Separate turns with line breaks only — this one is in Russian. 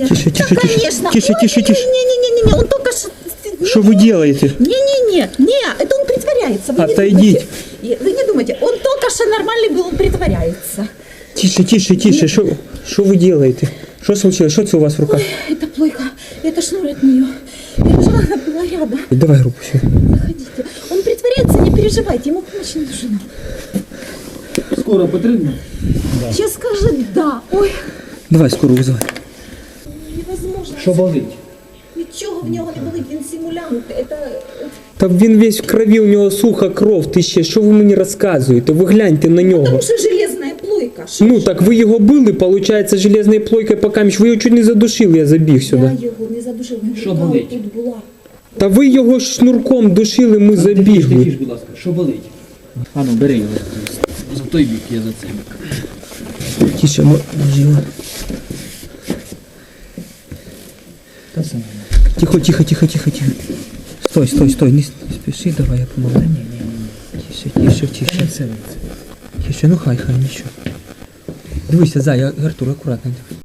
Тише, тише,
Да,
тише.
конечно.
Тише, тише, тише.
Не-не-не, он только что...
Что вы делаете?
Не, это он притворяется. Вы не
Отойдите.
думайте. Вы не думайте, он только что нормальный был, он притворяется.
Тише, тише, тише. Что вы делаете? Что случилось? Что это у вас в руках?
Ой, это плойка, это шнур от нее. Я же она была рядом.
Давай руку сюда.
Заходите. Он притворяется, не переживайте, ему помощь не нужна.
Скоро потрібно?
Сейчас скажет да. Ой,
Давай скорую вызывай.
невозможно.
Що болить?
Нічого в нього не болить, він симулянт. Это...
Та він весь в крові, у нього суха кров, ти ще, що ви мені розказуєте? Ви гляньте на нього.
Потому что железная плойка. Шо
Ну
ж?
так ви його били, виходить, железною плойкою по камінь. Ви його чуть не задушили, я забіг сюди.
Я його не задушив,
Що
рука
болить?
тут була.
Та ви його шнурком душили, ми забігли.
Тихіш, будь ласка, що болить? А ну, бери його. За той бік, я за цей бік.
Тише, живо.
Та саме.
Тихо, тихо, тихо, тихо, тихо. Стой, стой, стой, не спеши, давай я помогу. Тише, тише, тише. Тише, ну хай, нічого. Дивися, Артур, акуратно.